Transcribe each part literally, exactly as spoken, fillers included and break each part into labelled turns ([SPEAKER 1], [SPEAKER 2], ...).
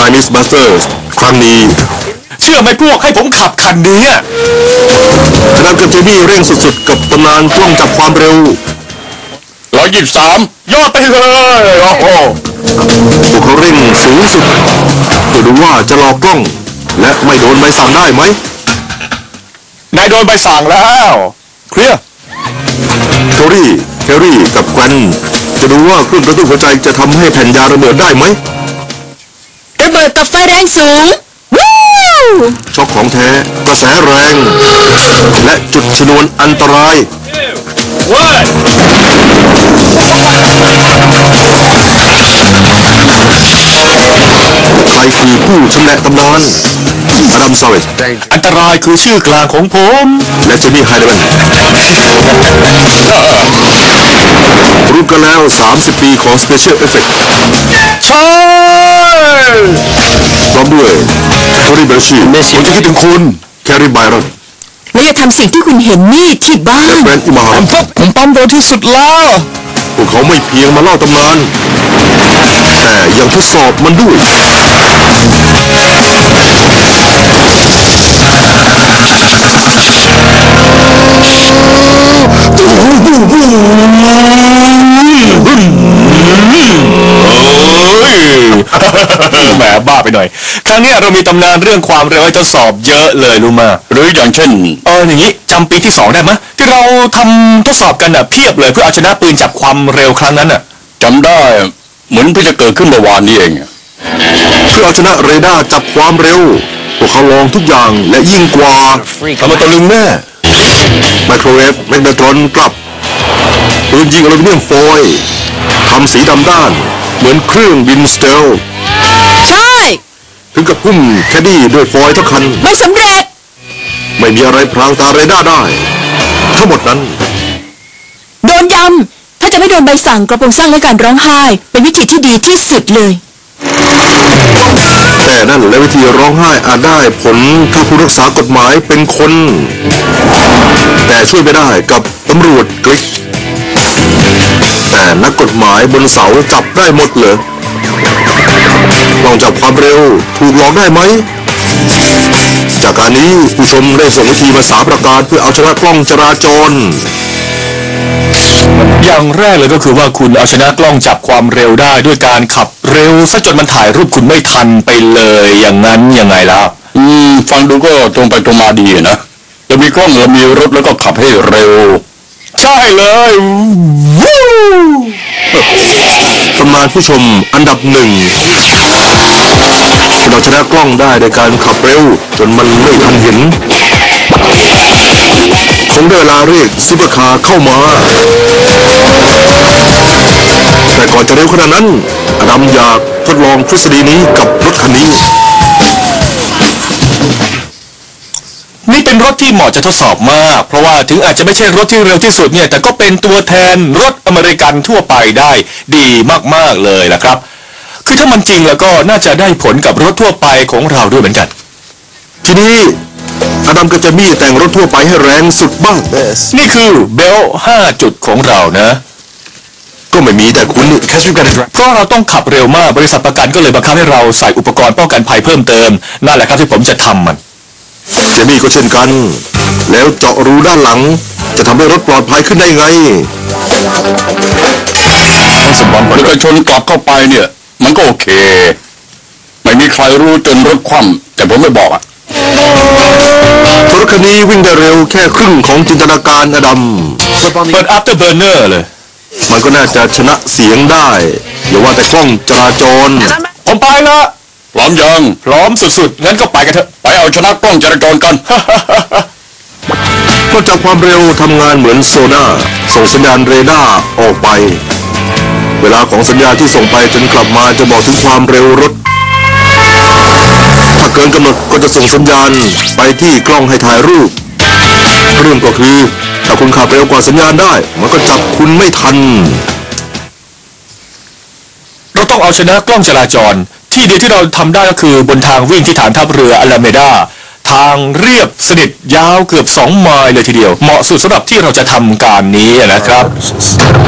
[SPEAKER 1] Chinese Masters ครั้งนี้
[SPEAKER 2] เชื่อไหมพวกให้ผมขับคันนี้
[SPEAKER 1] ขณะกับเจมี่เร่งสุดๆกับตำนานกล้องจับความเร็ว
[SPEAKER 2] ร้อยยี่สิบสามยอดไปเลยโอ้โห
[SPEAKER 1] พวกเขาเร่งสูงสุดเพื่อดูว่าจะหลอกกล้องและไม่โดนใบสั่งได้ไหม
[SPEAKER 2] นายโดนใบสั่งแล้วเคลียร์
[SPEAKER 1] โทรี่แฮร์รี่กับแกรนจะดูว่าเครื่องกระตุ้นหัวใจจะทำให้แผ่นยาระเบิดได้ไหม
[SPEAKER 3] ระเบิดกับไฟแรงสูงวู้
[SPEAKER 1] ช็อคของแท้กระแสแรงและจุดชนวนอันตรายใครคือผู้ชำแหละตำนานอดัม ซาเวจ
[SPEAKER 2] อันตรายคือชื่อกลางของผม
[SPEAKER 1] และเจมี่ไฮเดแมนรู้กันแล้วสามสิบปีของ Special Effect
[SPEAKER 2] ใช่
[SPEAKER 1] พร้อมด้วยโทนี่ เบลชี
[SPEAKER 2] ผมจะคิดถึงคุณ
[SPEAKER 1] แคร์รี ไบรอน
[SPEAKER 3] และอย่าทำสิ่งที่คุณเห็นนี่ที่บ้าน
[SPEAKER 1] แบรนด์อิมา
[SPEAKER 2] ผมผมปั๊มโดนที่สุดแล้ว
[SPEAKER 1] พวกเขาไม่เพียงมาเล่าตำนานแต่ยังทดสอบมันด้วย
[SPEAKER 2] แหมบ้าไปหน่อยครั้งนี้เรามีตำนานเรื่องความเร็วให้ทดสอบเยอะเลยรู้มาหรืออย่างเช่นเอออย่างนี้จำปีที่สองได้ไหมที่เราทำทดสอบกันอ่ะเพียบเลยเพื่อเอาชนะปืนจับความเร็วครั้งนั้นอ่ะจำได้เหมือนเพิ่งจะเกิดขึ้นเมื่อวานนี้เอง
[SPEAKER 1] เพื่อเอาชนะเรดาร์จับความเร็วพวกเขาลองทุกอย่างและยิ่งกว่า
[SPEAKER 2] ทำมาตะลึงแม่
[SPEAKER 1] ไมโครเวฟแมกนาตรอนกลับปืนยิงอลูมิเนียมฟอยล์ทำสีดำด้านเหมือนเครื่องบินสเตล
[SPEAKER 3] ใช่
[SPEAKER 1] ถึงกับพุ่มแคดดี้ด้วยฟอยล์ทั้งคัน
[SPEAKER 3] ไม่สำเร็จ
[SPEAKER 1] ไม่มีอะไรพรางตาเรดาร์ได้ทั้งหมดนั้น
[SPEAKER 3] โดนยำถ้าจะไม่โดนใบสั่งกระโปรงสั้นและการร้องไห้เป็นวิธีที่ดีที่สุดเลย
[SPEAKER 1] แต่นั่นและวิธีร้องไห้อาจได้ผลถ้าผู้รักษากฎหมายเป็นคนแต่ช่วยไม่ได้กับตำรวจกริกแต่นักกฎหมายบนเสาจับได้หมดเลยลองจับความเร็วถูกหลอกได้ไหมจากการนี้ผู้ชมได้ส่งวิธีมาสามประการเพื่อเอาชนะกล้องจราจร
[SPEAKER 2] อย่างแรกเลยก็คือว่าคุณเอาชนะกล้องจับความเร็วได้ด้วยการขับเร็วซะจนมันถ่ายรูปคุณไม่ทันไปเลยอย่างนั้นยังไงล่ะอืมฟังดูก็ตรงไปตรงมาดีนะจะมีกล้องแล้วมีรถแล้วก็ขับให้เร็วใช่เลยวู้
[SPEAKER 1] ตำนานผู้ชมอันดับหนึ่งเราชนะกล้องได้โดยการขับเร็วจนมันไม่ทันเห็นคงได้เวลาเรียกซุปเปอร์คาร์เข้ามาแต่ก่อนจะเร็วขนาดนั้นอดัมอยากทดลองทฤษฎีนี้กับรถคันนี้
[SPEAKER 2] นี่เป็นรถที่เหมาะจะทดสอบมากเพราะว่าถึงอาจจะไม่ใช่รถที่เร็วที่สุดเนี่ยแต่ก็เป็นตัวแทนรถอเมริกันทั่วไปได้ดีมากๆเลยนะครับคือถ้ามันจริงแล้วก็น่าจะได้ผลกับรถทั่วไปของเราด้วยเหมือนกัน
[SPEAKER 1] ทีนี้อดัมก็จะมีแต่งรถทั่วไปให้แรงสุดบ้าง
[SPEAKER 2] นี่คือเบลห้าจุดของเรานะ
[SPEAKER 1] ก็ไม่มีแต่คุณ
[SPEAKER 2] เพราะเราต้องขับเร็วมากบริษัทประกันก็เลยบังคับให้เราใส่อุปกรณ์ป้องกันภัยเพิ่มเติมนั่นแหละครับที่ผมจะทำมัน
[SPEAKER 1] เจมี่ก็เช่นกันแล้วเจาะรูด้านหลังจะทำให้รถปลอดภัยขึ้นได้ไง
[SPEAKER 2] สมบัติแล้วก็ชนกลับเข้าไปเนี่ยมันก็โอเคไม่มีใครรู้จนรถคว่ำแต่ผมไม่บอกอ่ะ
[SPEAKER 1] รถคันนี้วิ่งได้เร็วแค่ครึ่งของจินตนาการอดัม
[SPEAKER 2] เปิด afterburner เลย
[SPEAKER 1] มันก็น่าจะชนะเสียงได้อย่าว่าแต่กล้องจราจร
[SPEAKER 2] ผมไปละพร้อมยังพร้อมสุดๆงั้นก็ไปกันเถอะไปเอาชนะกล้องจราจรกัน
[SPEAKER 1] ก็จับความเร็วทำงานเหมือนโซน่าส่งสัญญาณเรดาร์ออกไปเวลาของสัญญาณที่ส่งไปจนกลับมาจะบอกถึงความเร็วรถถ้าเกินกำหนดก็จะส่งสัญญาณไปที่กล้องให้ถ่ายรูปเรื่องก็คือถ้าคุณขับเร็วกว่าสัญญาณได้มันก็จับคุณไม่ทัน
[SPEAKER 2] เราต้องเอาชนะกล้องจราจรที่เดียวที่เราทำได้ก็คือบนทางวิ่งที่ฐานทัพเรืออลาเมดาทางเรียบสนิทยาวเกือบสองไมล์เลยทีเดียวเหมาะสุดสำหรับที่เราจะทำการนี้นะครับ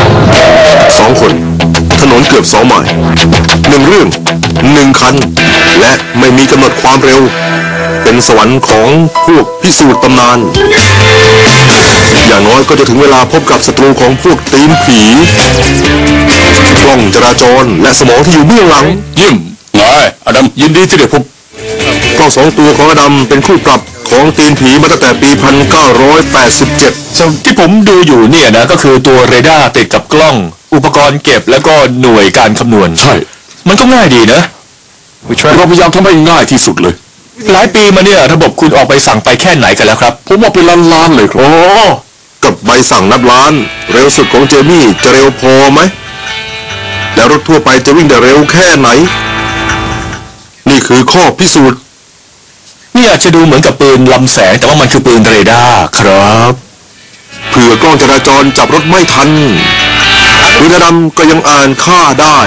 [SPEAKER 1] สองคนถนนเกือบสองไมล์หนึ่งเรื่องหนึ่งคันและไม่มีกำหนดความเร็วเป็นสวรรค์ของพวกพิสูจน์ตำนานอย่างน้อยก็จะถึงเวลาพบกับศัตรูของพวกตีนผีกล้องจราจรและสมองที่อยู่เบื้องหลัง
[SPEAKER 2] ยิ้มไงอดัมยินดีที่ได้พบ
[SPEAKER 1] กล้องสองตัวของอดัมเป็นคู่ปรับของตีนผีมาตั้งแต่ปี หนึ่งพันเก้าร้อยแปดสิบเจ็ด
[SPEAKER 2] ที่ผมดูอยู่เนี่ยนะก็คือตัวเรดาร์ติดกับกล้องอุปกรณ์เก็บแล้วก็หน่วยการคำนวณใช่มันก็ง่ายดีนะเราพยายามทำให้ง่ายที่สุดเลยหลายปีมาเนี่ยระบบคุณออกใบสั่งไปแค่ไหนกันแล้วครับผมว่าเป็นล้านๆเลยครับโอ้
[SPEAKER 1] กับใบสั่งนับล้านเร็วสุดของเจมี่จะเร็วพอไหมแล้วรถทั่วไปจะวิ่งได้เร็วแค่ไหนนี่คือข้อพิสูจน์
[SPEAKER 2] นี่อาจจะดูเหมือนกับปืนลำแสงแต่ว่ามันคือปืนเรดาร์ครับ
[SPEAKER 1] เผื่อกล้องจราจรจับรถไม่ทันปืนดำก็ยังอ่านค่าได้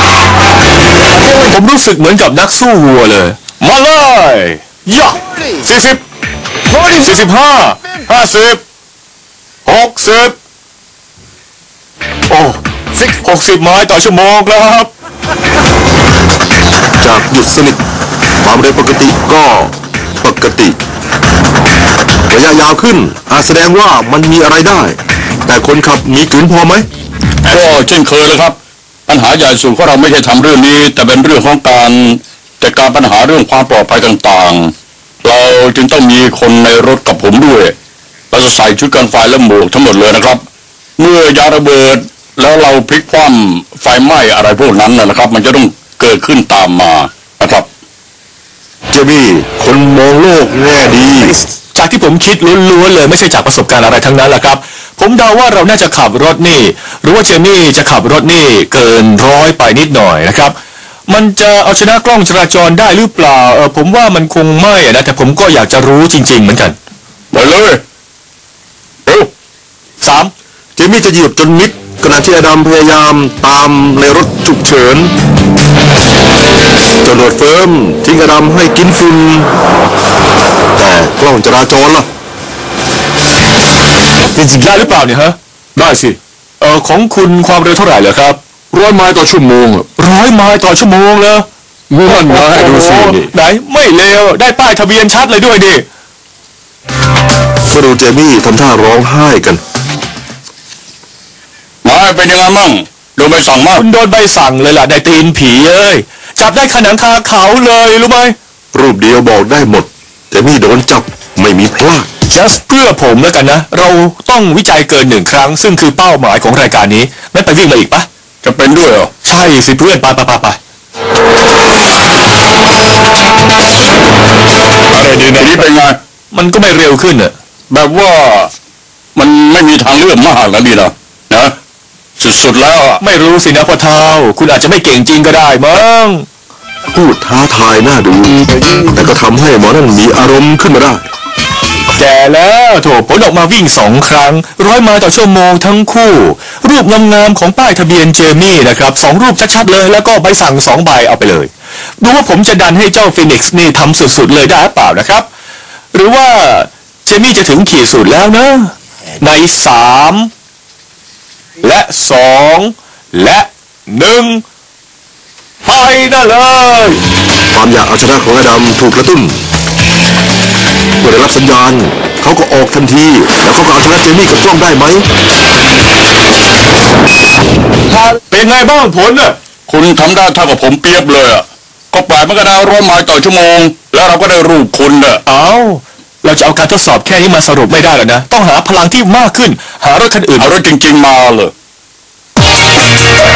[SPEAKER 2] ผมรู้สึกเหมือนกับนักสู้วัวเลยมาเลยย่าสี่สิบสี่สิบห้าห้าสิบหกสิบโอ้หกสิบไม้ต่อชั่วโมงครับ
[SPEAKER 1] จากหยุดสนิทความเร็วปกติก็ปกติระยะยาวขึ้นอาจแสดงว่ามันมีอะไรได้แต่คนขับมีกลืนพอไหม
[SPEAKER 2] ก็เช่นเคยเลยครับปัญหาใหญ่สุดของเราไม่ใช่ทำเรื่องนี้แต่เป็นเรื่องของการจัดการปัญหาเรื่องความปลอดภัยต่างๆเราจึงต้องมีคนในรถกับผมด้วยเราจะใส่ชุดกันไฟและหมวกทั้งหมดเลยนะครับเมื่อยาระเบิดแล้วเราพลิกคว่ำไฟไหม้อะไรพวกนั้นนะครับมันจะต้องเกิดขึ้นตามมานะครับ
[SPEAKER 1] เจมี่คนมองโลกแง่ดี
[SPEAKER 2] จากที่ผมคิดล้วนๆเลยไม่ใช่จากประสบการณ์อะไรทั้งนั้นแหละครับผมเดาว่าเราน่าจะขับรถนี่หรือว่าเจมี่จะขับรถนี่เกินร้อยไปนิดหน่อยนะครับมันจะเอาชนะกล้องจราจรได้หรือเปล่าเออผมว่ามันคงไม่นะแต่ผมก็อยากจะรู้จริงๆเหมือนกันไปเลยเร็วสาม
[SPEAKER 1] เจมี่จะเหยียบจนมิดขณะที่อดัมพยายามตามในรถฉุกเฉินจนรถเฟิร์มทิ้งอดัมให้กินฝุ่นแต่กล้องจราจรล่ะ
[SPEAKER 2] จริงๆได้หรือเปล่าเนี่ยฮะได้สิเออของคุณความเร็วเท่าไหร่เหรอครับร้อยไมล์ต่อชั่วโมงร้อยไมล์ต่อชั่วโมงเลยมั่นนะดูสิไหนไม่เลวได้ป้ายทะเบียนชัดเลยด้วยดิ
[SPEAKER 1] ก็ดูเจมี่ทำท่าร้องไห้กัน
[SPEAKER 2] มาเป็นยังไงมั่งโดนใบสั่งมากคุณโดนใบสั่งเลยล่ะได้ตีนผีเอ้ยจับได้ขนังคาเขาเลยรู้ไหม
[SPEAKER 1] รูปเดียวบอกได้หมดเจมี่โดนจับไม่มีพลาด
[SPEAKER 2] just เพื่อผมแล้วกันนะเราต้องวิจัยเกินหนึ่งครั้งซึ่งคือเป้าหมายของรายการนี้ไม่ไปวิ่งมาอีกปะจะเป็นด้วยเหรอใช่สิเพื่อนไปไปไปไปอะไรดีนะนี่เป็นไงมันก็ไม่เร็วขึ้นอะแบบว่ามันไม่มีทางเลือกมากแล้วดีนะนะสุดๆแล้วไม่รู้สินะพ่อเฒ่าคุณอาจจะไม่เก่งจริงก็ได้มั้ง
[SPEAKER 1] พูดท้าทายน่าดูแต่ก็ทำให้หมอนั่นมีอารมณ์ขึ้นมาได้
[SPEAKER 2] แก่แล้วโถผลออกมาวิ่งสองครั้งร้อยไมล์ต่อชั่วโมงทั้งคู่รูปงามๆของป้ายทะเบียนเจมี่นะครับสองรูปชัดๆเลยแล้วก็ใบสั่งสองใบเอาไปเลยดูว่าผมจะดันให้เจ้าฟีนิกซ์นี่ทำสุดๆเลยได้หรือเปล่านะครับหรือว่าเจมี่จะถึงขีดสุดแล้วนะในสามและสองและหนึ่งไปได้เลย
[SPEAKER 1] ความอยากเอาชนะของอดัมถูกกระตุ้นเมื่อได้รับสัญญาณเขาก็ออกทันทีแล้วเขาก็เอาชนะเจมี่กับกล้องได้ไหม
[SPEAKER 2] เป็นไงบ้างผลน่ะคุณทำได้เท่ากับผมเปรียบเลยอ่ะก็ปล่อยมันก็ได้ร้อยไมล์ต่อชั่วโมงแล้วเราก็ได้รูปคุณน่ะเอ้าเราจะเอาการทดสอบแค่นี้มาสรุปไม่ได้หรอกนะต้องหาพลังที่มากขึ้นหารถคันอื่นเอารถจริงๆมาเลย